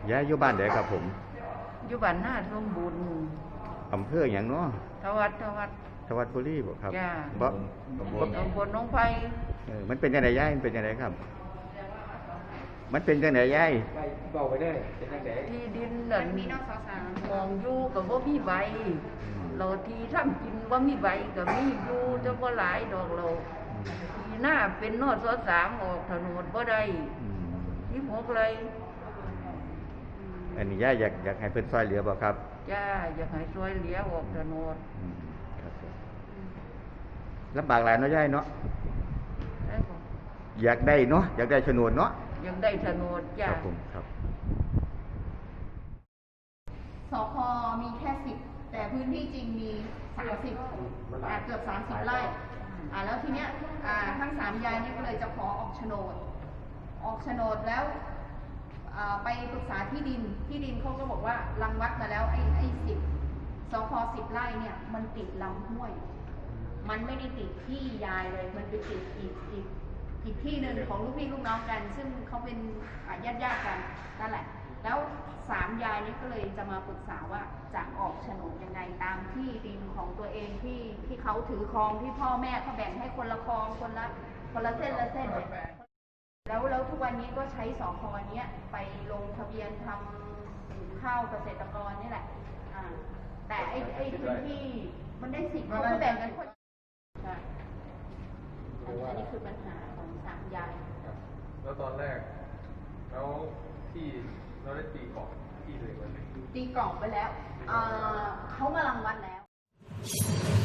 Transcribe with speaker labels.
Speaker 1: ย้ายอยู่บ้านไหนครับผม
Speaker 2: อยู่บ้านหน้าสมบูรณ์
Speaker 1: อำเภออย่างเนาะ
Speaker 2: ทวัด
Speaker 1: ทวัดบุรีบ่ครับ
Speaker 2: จ้า
Speaker 1: บ่
Speaker 2: ตำบลหนองไผ่
Speaker 1: มันเป็นจังได๋ยายมันเป็นจังไดครับมันเป็นจังได๋ยาย
Speaker 3: บอกไปได้เป็นจังได๋
Speaker 2: ที่ดินนั่นมองอยู่ก็บ่มีใบเราที่ทำกินบ่มีใบก็มีอยู่แต่บ่หลายดอกเราที่หน้าเป็นนส.3ออกถนนบ่ได้16 ไร่
Speaker 1: อันนี้ยายอยากให้เพิ่นช่วยเหลือบ่ครับ
Speaker 2: จ้าอยากให้ช่วยเหลือออกถนน
Speaker 1: ครับลำบากหลายเนาะยายเนาะอยากได้เนาะอยากได้โฉนดเนาะ
Speaker 2: อยากได้โฉนดจ้า
Speaker 1: ครับผมครับ
Speaker 4: สค.มีแค่10แต่พื้นที่จริงมี30เกือบ30 ไร่แล้วทีเนี้ยทั้ง3 ยายนี่ก็เลยจะขอออกโฉนดแล้วไปปรึกษาที่ดินเขาก็บอกว่ารังวัดมาแล้วไอ้10สค10 ไร่เนี่ยมันติดลำห้วยมันไม่ได้ติดที่ยายเลยมันไปติดอีกที่หนึ่งของลูกพี่ลูกน้องกันซึ่งเขาเป็นญาติกันนั่นแหละแล้ว3 ยายนี้ก็เลยจะมาปรึกษาว่าจะออกโฉนดยังไงตามที่ดินของตัวเองที่เขาถือครองที่พ่อแม่เขาแบ่งให้คนละครองคนละเส้นแล้วทุกวันนี้ก็ใช้สค.เนี้ยไปลงทะเบียนทำข้าวเกษตรกรนี่แหละแต่ไอ้พื้นที่มันได้10เขาก็แบ่งกันคนใช่อันนี้คือปัญหาของ3 ยาย
Speaker 3: แล้วตอนแรกแล้วที่เราได้ตีกรอบที่เลยวันนี้
Speaker 4: ตีกรอบไปแล้วเขามารังวัดแล้ว